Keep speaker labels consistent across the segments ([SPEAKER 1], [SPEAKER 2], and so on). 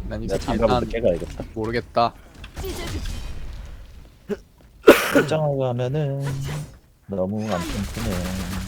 [SPEAKER 1] 난 이
[SPEAKER 2] 내가
[SPEAKER 1] 새끼
[SPEAKER 2] 장갑을
[SPEAKER 1] 일단
[SPEAKER 2] 늦게 가야겠다.
[SPEAKER 1] 모르겠다.
[SPEAKER 2] 일장을 가면은 너무 안 튼튼해.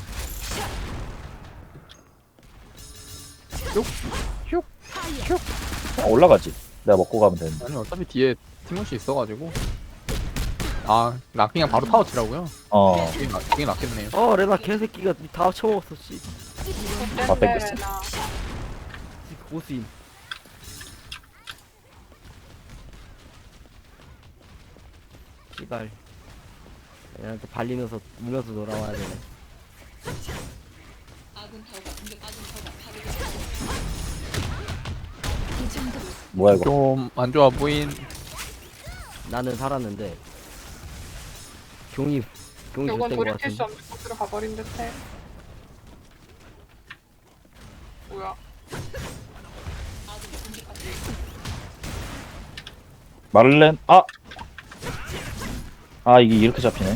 [SPEAKER 2] 올라가지. 내가 먹고 가면 되는데.
[SPEAKER 1] 아니 어차피 뒤에 티모시 있어가지고. 아, 나 그냥 바로 타워 치라고요?
[SPEAKER 2] 어,
[SPEAKER 1] 그게 낫겠네요.
[SPEAKER 3] 레나 개새끼가 다 쳐먹었어 씨.
[SPEAKER 2] 다 뺏겼어.
[SPEAKER 3] 고수임. 씨발. 얘한테 발리면서 울면서 돌아와야 되네.
[SPEAKER 2] 뭐야 이거?
[SPEAKER 1] 좀 안 좋아 보인.
[SPEAKER 3] 나는 살았는데 경이
[SPEAKER 4] 이건
[SPEAKER 3] 줬던 거
[SPEAKER 4] 돌이킬 수
[SPEAKER 3] 같은데.
[SPEAKER 4] 없는 곳으로 가버린 듯해. 뭐야?
[SPEAKER 2] 마를렌 아 이게 이렇게 잡히네.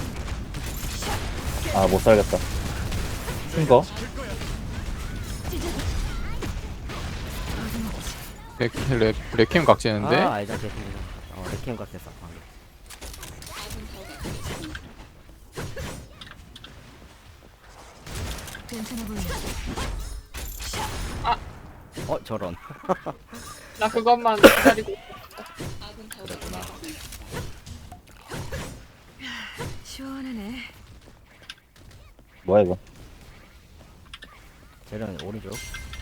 [SPEAKER 2] 아 못 살겠다. 큰 거.
[SPEAKER 1] 레캠 각지는데?
[SPEAKER 3] 아 알자 개새끼. 레캠 같았어 방금. 저런.
[SPEAKER 4] 나 그것만 기다리고 있었어.
[SPEAKER 3] 그랬구나.
[SPEAKER 5] 시원하네.
[SPEAKER 2] 뭐야 이거?
[SPEAKER 3] 쟤는 오른쪽.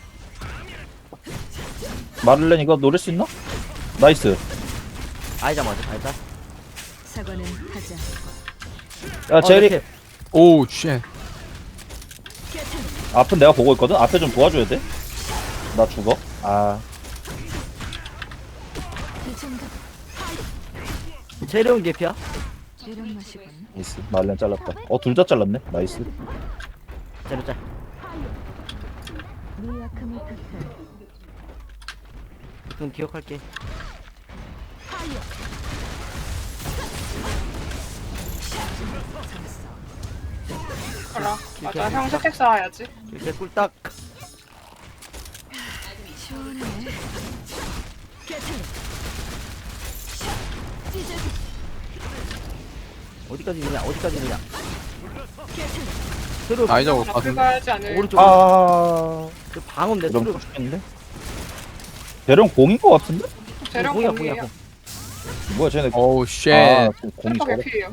[SPEAKER 2] 마를렌 이거 노릴 수 있나? 나이스.
[SPEAKER 3] 알자 먼저 알자.
[SPEAKER 5] 사과는 하지 않고.
[SPEAKER 2] 야 제리
[SPEAKER 3] 레캠.
[SPEAKER 1] 오우 쉣.
[SPEAKER 2] 앞은 내가 보고 있거든. 앞에 좀 도와줘야 돼. 나 죽어. 아
[SPEAKER 3] 재료운 개피야?
[SPEAKER 5] 이런 맛이군.
[SPEAKER 2] 나이스. 마를렌 잘랐다. 둘 다 잘랐네. 나이스.
[SPEAKER 3] 재료 짤.
[SPEAKER 5] 네 약함을 탓해.
[SPEAKER 3] 그럼 기억할게.
[SPEAKER 4] 그래. 맞아. 형 스택 쌓아야지.
[SPEAKER 3] 이렇게 꿀딱.
[SPEAKER 5] 시원하네.
[SPEAKER 3] 어디까지 있느냐? 어디까지 있느냐? 새로
[SPEAKER 1] 아이작 올
[SPEAKER 4] 앞을
[SPEAKER 1] 것 같은데.
[SPEAKER 4] 가야지 않을.
[SPEAKER 3] 오른쪽.
[SPEAKER 2] 아
[SPEAKER 3] 방음 내
[SPEAKER 2] 대령
[SPEAKER 3] 소리.
[SPEAKER 2] 죽겠는데? 대령 공인 거 같은데?
[SPEAKER 4] 재령
[SPEAKER 3] 공이야
[SPEAKER 4] 공이에요.
[SPEAKER 3] 공이야.
[SPEAKER 2] 뭐야 쟤네.
[SPEAKER 1] 오우 쉣.
[SPEAKER 2] 공이
[SPEAKER 4] 슈퍼
[SPEAKER 2] 저래.
[SPEAKER 4] 개피예요.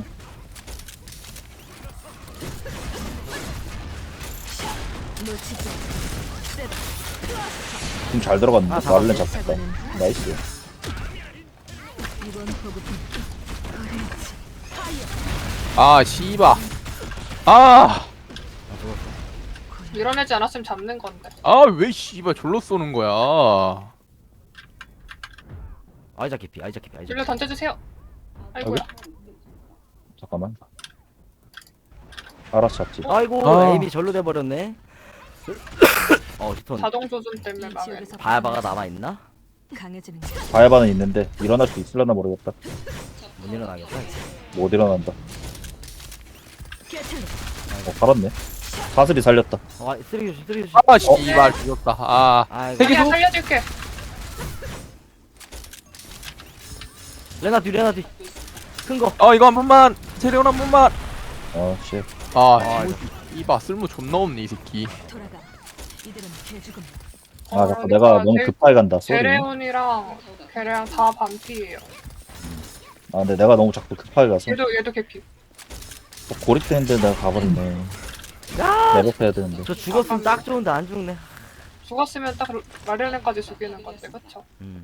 [SPEAKER 5] 놓치지 않고.
[SPEAKER 2] 공잘 들어갔는데.
[SPEAKER 3] 아,
[SPEAKER 2] 마를렌
[SPEAKER 3] 잡았어.
[SPEAKER 2] 잡혔다.
[SPEAKER 5] 사과는
[SPEAKER 2] 나이스.
[SPEAKER 5] 이번 보급은 어렵지.
[SPEAKER 1] 아 씨바. 아.
[SPEAKER 3] 아 죽었어.
[SPEAKER 4] 밀어내지 않았으면 잡는 건데.
[SPEAKER 1] 아 왜 씨발 졸로 쏘는 거야.
[SPEAKER 3] 아이작 개피. 아이작 개피. 아이작.
[SPEAKER 4] 일로 던져주세요. 아이고야.
[SPEAKER 2] 잠깐만. 알아서 잡지.
[SPEAKER 3] 아이고
[SPEAKER 1] 아.
[SPEAKER 3] 에임이 절로 돼버렸네. 히톤.
[SPEAKER 4] 자동 조준 때문에
[SPEAKER 5] 이
[SPEAKER 4] 망해.
[SPEAKER 5] 지역에서
[SPEAKER 3] 바야바가 남아있나?
[SPEAKER 5] 강해지는
[SPEAKER 2] 바야바는 있는데 일어날 수 있을려나 모르겠다.
[SPEAKER 3] 못 일어나겠다.
[SPEAKER 2] 못 일어난다. 살았네. 사슬이 살렸다.
[SPEAKER 3] 쓰레기 조심 쓰레기 조심.
[SPEAKER 1] 아 씨발 죽였다. 아.
[SPEAKER 3] 아이고.
[SPEAKER 1] 세계-
[SPEAKER 4] 자기야
[SPEAKER 1] 계속-
[SPEAKER 4] 살려줄게.
[SPEAKER 3] 레나 뒤 레나 뒤. 큰 거.
[SPEAKER 1] 이거 한 번만. 재료는 한 번만.
[SPEAKER 2] 씨.
[SPEAKER 1] 아 이봐 쓸모 존나 없네 이 새끼.
[SPEAKER 5] 돌아가. 이들은 개죽음.
[SPEAKER 2] 자꾸 내가 너무 급하게 간다. 쏘리.
[SPEAKER 4] 제레온이랑 걔랑 다 반피예요.
[SPEAKER 2] 근데 내가 너무 자꾸 급하게 가서
[SPEAKER 4] 얘도 개피.
[SPEAKER 2] 고립되는데 내가 가버리네. 레벨해야 되는데.
[SPEAKER 3] 저 죽었으면 딱 좋은데 안 죽네.
[SPEAKER 4] 죽었으면 딱 마릴렌까지 죽이는 건데, 그쵸?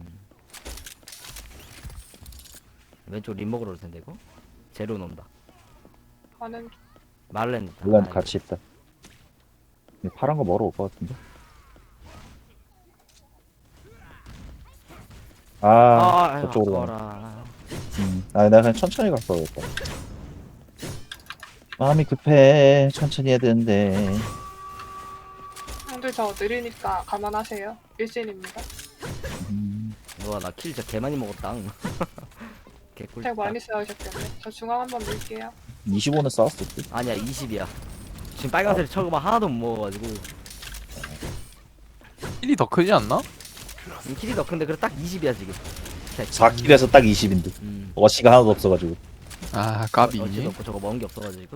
[SPEAKER 3] 왼쪽 림 먹으러 올 텐데 이거. 제로 논다.
[SPEAKER 4] 가는
[SPEAKER 3] 말렌.
[SPEAKER 2] 물론 같이 있다. 이 파란 거 먹으러 올 것 같은데. 저쪽으로 가네.
[SPEAKER 3] 가라.
[SPEAKER 2] 내가 그냥 천천히 갔어 그랬다. 마음이 급해. 천천히 해야 되는데.
[SPEAKER 4] 형들 저 느리니까 감안하세요. 일진입니다.
[SPEAKER 3] 와 나 킬 진짜 개 많이 먹었다. 개꿀.
[SPEAKER 4] tek 많이 쌓으셨겠네. 저 중앙 한번 밀게요.
[SPEAKER 2] 25는 싸웠을 때.
[SPEAKER 3] 아니야 20이야. 지금 빨간색 처음 하나도 못 먹어가지고.
[SPEAKER 1] 힐이 더 크지 않나?
[SPEAKER 3] 킬이 너 근데 그래 딱 20이야 지금.
[SPEAKER 2] 4킬에서 딱 20인데 어시가 하나도 없어가지고.
[SPEAKER 1] 아 까비.
[SPEAKER 3] 어찌도 없고 저거 먹은 게 없어가지고.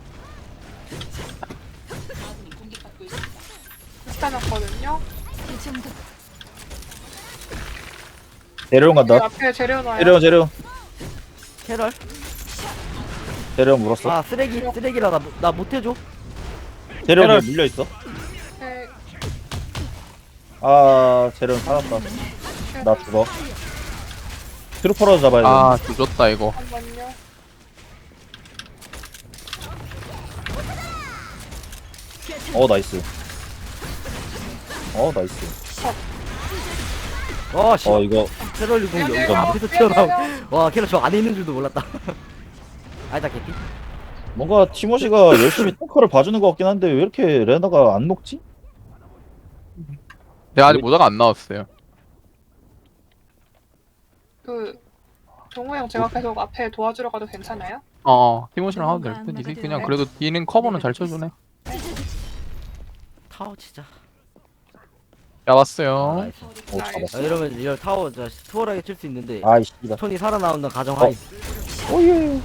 [SPEAKER 4] 스타놨거든요.
[SPEAKER 5] 이 정도
[SPEAKER 2] 재료용 간다.
[SPEAKER 4] 앞에 재려놔요.
[SPEAKER 2] 재료용
[SPEAKER 3] 캐럴.
[SPEAKER 2] 물었어.
[SPEAKER 3] 아 쓰레기라 나 못해줘.
[SPEAKER 2] 재료용 물려있어.
[SPEAKER 4] 네,
[SPEAKER 2] 아 재료용 살았다. 나 죽어. 트루퍼라도 잡아야 돼.
[SPEAKER 1] 아 조졌다 이거.
[SPEAKER 4] 잠깐만요.
[SPEAKER 2] 나이스. 나이스.
[SPEAKER 3] 씨.
[SPEAKER 2] 이거
[SPEAKER 3] 캐럴이 공
[SPEAKER 4] 미안해요.
[SPEAKER 3] 여기 앞에서 튀어나오. 와 캐럴 저 안에 있는 줄도 몰랐다. 아니다 개피.
[SPEAKER 2] 뭔가 티모시가 열심히 탱커를 봐주는 것 같긴 한데 왜 이렇게 레나가 안 녹지?
[SPEAKER 1] 내가 아직 모자가 안 나왔어요.
[SPEAKER 4] 그 동호 형 제가 계속 앞에 도와주러 가도 괜찮아요?
[SPEAKER 1] 티모시랑 하도 될 듯. 이제 그냥 그래도 뒤는 커버는 잘 쳐주네.
[SPEAKER 3] 타워 치자.
[SPEAKER 1] 잡았어요.
[SPEAKER 3] 나이스.
[SPEAKER 2] 잡았어.
[SPEAKER 3] 이러면 리얼 타워 저 수월하게 칠 수 있는데
[SPEAKER 2] 아이씨. 나.
[SPEAKER 3] 톤이 살아나온다는 가정하에.
[SPEAKER 2] 오예.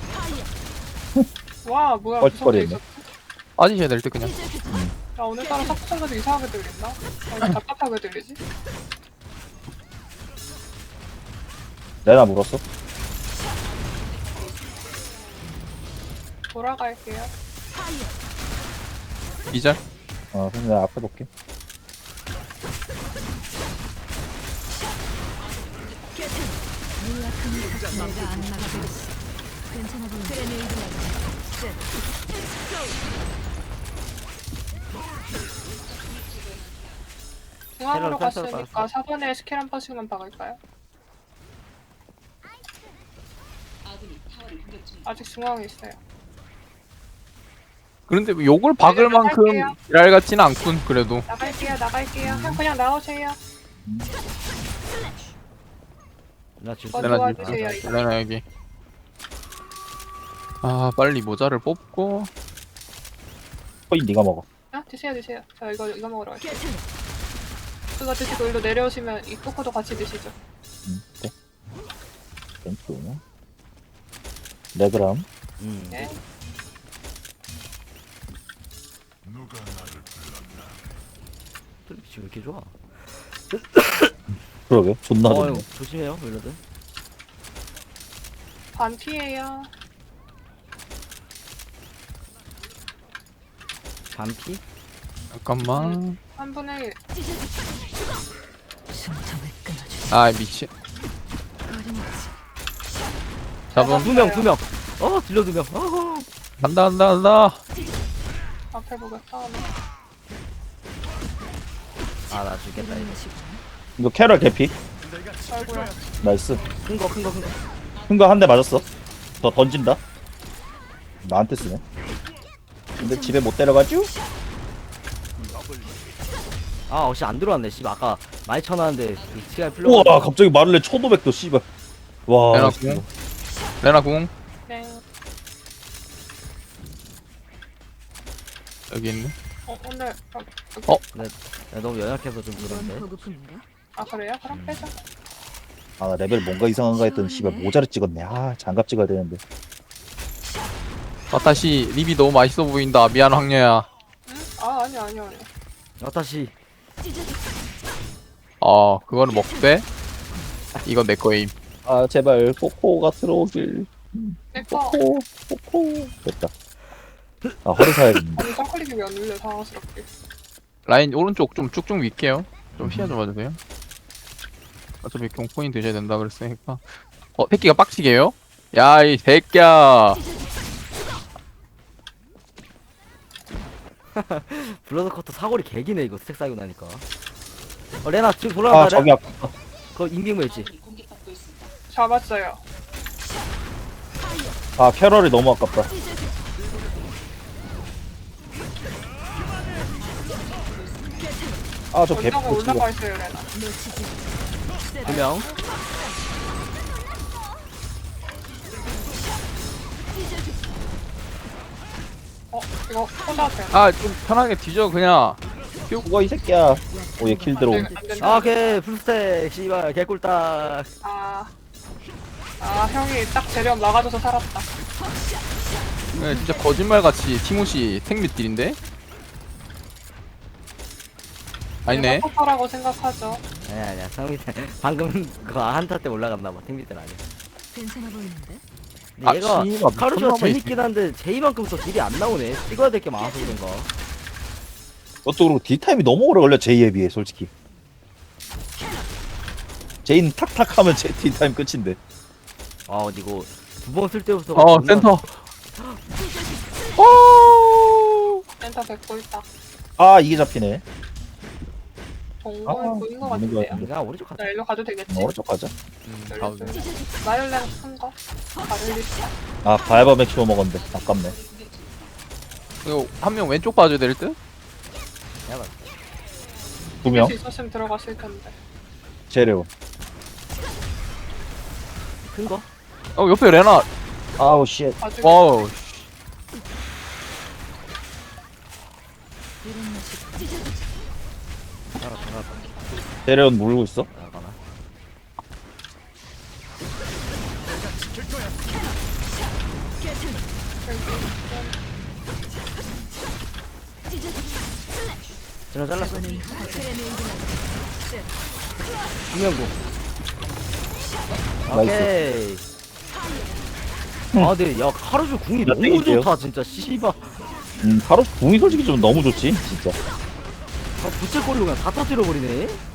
[SPEAKER 4] 와 뭐야
[SPEAKER 2] 뻘뻘이네.
[SPEAKER 4] 무섭게 있었어.
[SPEAKER 1] 빠지셔야 될 듯 그냥.
[SPEAKER 4] 나 오늘따라 사쿠성가도 이상하게 들린다. 답답하게 들리지?
[SPEAKER 2] 레나 물었어.
[SPEAKER 4] 돌아갈게요.
[SPEAKER 1] 이제
[SPEAKER 2] 그럼 내가 앞에 볼게.
[SPEAKER 5] 내가 안 나가겠어. 괜찮아 보이네. 그레네이드
[SPEAKER 4] 중앙으로
[SPEAKER 3] 캐럴 펜스로
[SPEAKER 4] 갔으니까 4번에 스킬 한 번씩만 박을까요? 아직 중앙에 있어요.
[SPEAKER 1] 그런데 뭐 욕을 박을 만큼
[SPEAKER 4] 나갈게요.
[SPEAKER 1] 지랄 같지는 않군 그래도.
[SPEAKER 4] 나갈게요. 그냥 나오세요.
[SPEAKER 3] 나 지금
[SPEAKER 4] 맞아.
[SPEAKER 1] 레나
[SPEAKER 4] 도와주세요, 이거.
[SPEAKER 1] 레나 여기. 아 빨리 모자를 뽑고.
[SPEAKER 2] 거의 네가 먹어.
[SPEAKER 4] 드세요. 저 이거 먹으러 갈게요. 그거 드시고 일로 내려오시면 이 코코도 같이 드시죠.
[SPEAKER 2] 네. 땡큐. 레그람.
[SPEAKER 4] 네.
[SPEAKER 3] 지금 왜 이렇게 좋아?
[SPEAKER 2] 그러게. 존나
[SPEAKER 3] 이거
[SPEAKER 2] 좋네.
[SPEAKER 3] 조심해요 멜로드.
[SPEAKER 4] 반피예요.
[SPEAKER 3] 반피?
[SPEAKER 1] 잠깐만.
[SPEAKER 4] 3분의 1.
[SPEAKER 5] 숨통을 끊어주지.
[SPEAKER 1] 아 미친.
[SPEAKER 5] 어림없지.
[SPEAKER 1] 잡음.
[SPEAKER 3] 두 명. 딜러 2명.
[SPEAKER 1] 간다.
[SPEAKER 4] 앞에 보겠다.
[SPEAKER 3] 나 죽겠다 이거.
[SPEAKER 2] 이거 캐럴 개피.
[SPEAKER 4] 아이고야.
[SPEAKER 2] 나이스.
[SPEAKER 3] 큰 거.
[SPEAKER 2] 큰 거 한 대 맞았어. 더 던진다. 나한테 쓰네. 근데 집에 못 데려가죠?
[SPEAKER 3] 혹시 안 들어왔네. 씨 아까 많이 쳐놨는데 그 시간이 풀려.
[SPEAKER 2] 우와 갑자기 마를레 1500도 씨발. 와.
[SPEAKER 1] 레나
[SPEAKER 2] 진짜.
[SPEAKER 1] 궁. 레나 궁
[SPEAKER 4] 네.
[SPEAKER 1] 여기 있네.
[SPEAKER 4] 오늘
[SPEAKER 3] 너무 연약해서 좀
[SPEAKER 5] 이건
[SPEAKER 3] 그런데.
[SPEAKER 5] 보급품인가?
[SPEAKER 4] 그래요? 그럼 빼자.
[SPEAKER 2] 나 레벨 뭔가 이상한가 했더니 씨발 모자를 찍었네. 장갑 찍어야 되는데.
[SPEAKER 1] 다시 립이 너무 맛있어 보인다. 미안 황녀야.
[SPEAKER 4] 응? 아니야.
[SPEAKER 3] 다시.
[SPEAKER 1] 그거는 먹되. 이건 내 거임.
[SPEAKER 2] 제발 코코가 들어오길.
[SPEAKER 4] 내꺼.
[SPEAKER 2] 코코. 됐다. 허리 사야겠는데.
[SPEAKER 4] 아니 짱클릭이 왜 안 눌려 당황스럽게.
[SPEAKER 1] 라인 오른쪽 좀 쭉쭉 밀게요. 좀 피하 좀 봐주세요. 어차피 경포인 드셔야 된다 그랬으니까. 새끼가 빡치게요? 야 이 새끼야.
[SPEAKER 3] 블러드 커터 사거리 개기네 이거 스택 쌓이고 나니까. 레나 지금 돌아간다.
[SPEAKER 2] 저기 아까
[SPEAKER 3] 그거 인빙무 했지.
[SPEAKER 4] 잡았어요.
[SPEAKER 2] 캐럴이 너무 아깝다. 저 개피
[SPEAKER 4] 언덕에
[SPEAKER 2] 지금.
[SPEAKER 4] 올라가 있어요 레나.
[SPEAKER 5] 놓치지.
[SPEAKER 3] 2명.
[SPEAKER 4] 이거 혼자 돼요.
[SPEAKER 1] 좀 편하게 뒤져 그냥.
[SPEAKER 2] 죽어 이 새끼야. 오얘 킬 들어옴.
[SPEAKER 4] 안 된다.
[SPEAKER 3] 아, 오케이. 풀스택. 씨발, 개꿀딱.
[SPEAKER 4] 아, 형이 딱 재련 막아줘서 살았다.
[SPEAKER 1] 네, 진짜 거짓말같이 티모시 택미딜인데? 아니네.
[SPEAKER 4] 포커라고 생각하죠.
[SPEAKER 3] 아니야. 상민 방금 그거 한타 때 올라갔나봐. 팀비들 아니야.
[SPEAKER 5] 괜찮아 보이는데?
[SPEAKER 3] 근데
[SPEAKER 1] 아,
[SPEAKER 3] 얘가
[SPEAKER 1] 씨발,
[SPEAKER 3] 카루쇼가
[SPEAKER 1] 미쳤나봐, 이
[SPEAKER 3] 재밌긴 한데 제이만큼 또 딜이 안 나오네. 찍어야 될 게 많아서 그런가.
[SPEAKER 2] 그것도 그렇고 딜타임이 너무 오래 걸려 제이에 비해 솔직히. 제이는 탁탁 하면 제 딜타임 끝인데.
[SPEAKER 3] 아, 근데 이거 두 번 쓸 때부터.
[SPEAKER 1] 센터. 오!
[SPEAKER 4] 센터 뵙고 있다.
[SPEAKER 2] 아 이게 잡히네.
[SPEAKER 4] 동물
[SPEAKER 2] 아,
[SPEAKER 4] 보인 것
[SPEAKER 2] 있는 것
[SPEAKER 4] 같은데요.
[SPEAKER 2] 같은데.
[SPEAKER 3] 내가 오른쪽 갔다.
[SPEAKER 4] 나 일로 가도 되겠지?
[SPEAKER 2] 오른쪽 가자.
[SPEAKER 1] 가도 돼.
[SPEAKER 4] 마일렌 큰 거? 바를리스타?
[SPEAKER 2] 아 바이바맥 키워 먹었는데 아깝네.
[SPEAKER 1] 이거 한 명 왼쪽 봐줘야 될 듯?
[SPEAKER 3] 내가
[SPEAKER 2] 두 명.
[SPEAKER 4] 수 있었으면 들어갔을 텐데.
[SPEAKER 2] 제레오.
[SPEAKER 3] 큰 거?
[SPEAKER 1] 옆에 레나.
[SPEAKER 2] 아우 쉣.
[SPEAKER 4] 봐주고
[SPEAKER 1] 와우.
[SPEAKER 5] 이런 모습
[SPEAKER 3] 나가.
[SPEAKER 2] 제레온 물고 있어.
[SPEAKER 3] 나가나. 전화 잘랐어.
[SPEAKER 5] 이번엔
[SPEAKER 3] 김명구.
[SPEAKER 2] 나이스.
[SPEAKER 3] 오케이. 아, 근데 야 카루쇼 궁이
[SPEAKER 2] 나
[SPEAKER 3] 너무
[SPEAKER 2] 땡길게요.
[SPEAKER 3] 좋다 진짜. 씨발.
[SPEAKER 2] 바로 궁이 솔직히 좀 너무 좋지 진짜.
[SPEAKER 3] 부채꼴로 그냥 다 터뜨려 버리네.